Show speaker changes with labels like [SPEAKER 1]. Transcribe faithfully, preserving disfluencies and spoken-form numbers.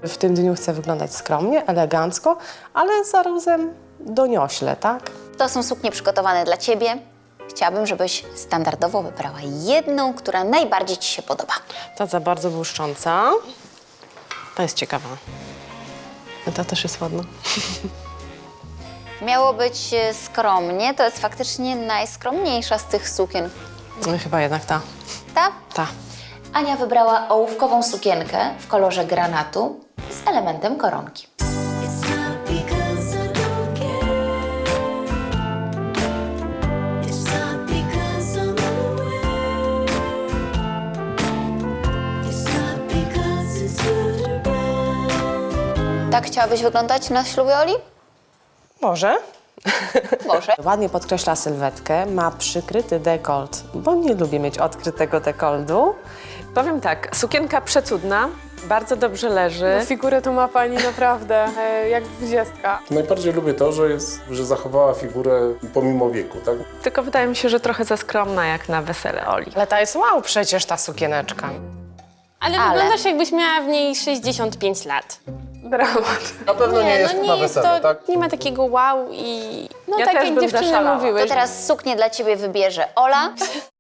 [SPEAKER 1] W tym dniu chcę wyglądać skromnie, elegancko, ale zarazem doniośle, tak?
[SPEAKER 2] To są suknie przygotowane dla ciebie. Chciałabym, żebyś standardowo wybrała jedną, która najbardziej ci się podoba.
[SPEAKER 1] Ta za bardzo błyszcząca. Ta jest ciekawa. Ta też jest ładna.
[SPEAKER 2] Miało być e, skromnie, to jest faktycznie najskromniejsza z tych sukien.
[SPEAKER 1] No, chyba jednak ta.
[SPEAKER 2] Ta?
[SPEAKER 1] Ta.
[SPEAKER 2] Ania wybrała ołówkową sukienkę w kolorze granatu z elementem koronki.
[SPEAKER 3] It's not because I don't care. It's not because I'm unaware. It's not because it's good or bad.
[SPEAKER 2] Tak chciałabyś wyglądać na ślubie Oli?
[SPEAKER 1] Może?
[SPEAKER 2] Może.
[SPEAKER 1] Ładnie podkreśla sylwetkę, ma przykryty dekolt, bo nie lubię mieć odkrytego dekoltu.
[SPEAKER 4] Powiem tak, sukienka przecudna, bardzo dobrze leży.
[SPEAKER 5] Figurę tu ma pani naprawdę e, jak dwudziestka.
[SPEAKER 6] Najbardziej lubię to, że, jest, że zachowała figurę pomimo wieku, tak?
[SPEAKER 4] Tylko wydaje mi się, że trochę za skromna jak na wesele Oli.
[SPEAKER 1] Ale ta jest wow przecież, ta sukieneczka.
[SPEAKER 7] Ale,
[SPEAKER 2] Ale-
[SPEAKER 7] wyglądasz jakbyś miała w niej sześćdziesiąt pięć lat.
[SPEAKER 4] Dramat.
[SPEAKER 6] Na pewno nie, jest
[SPEAKER 7] no
[SPEAKER 6] na
[SPEAKER 7] nie jest
[SPEAKER 6] wesele,
[SPEAKER 7] to,
[SPEAKER 6] tak?
[SPEAKER 7] nie ma takiego wow i... No
[SPEAKER 4] Ja
[SPEAKER 7] tak
[SPEAKER 4] też
[SPEAKER 7] jak
[SPEAKER 4] bym
[SPEAKER 7] dziewczyny
[SPEAKER 4] zaszalała.
[SPEAKER 7] mówiły.
[SPEAKER 2] To teraz suknię dla ciebie wybierze Ola.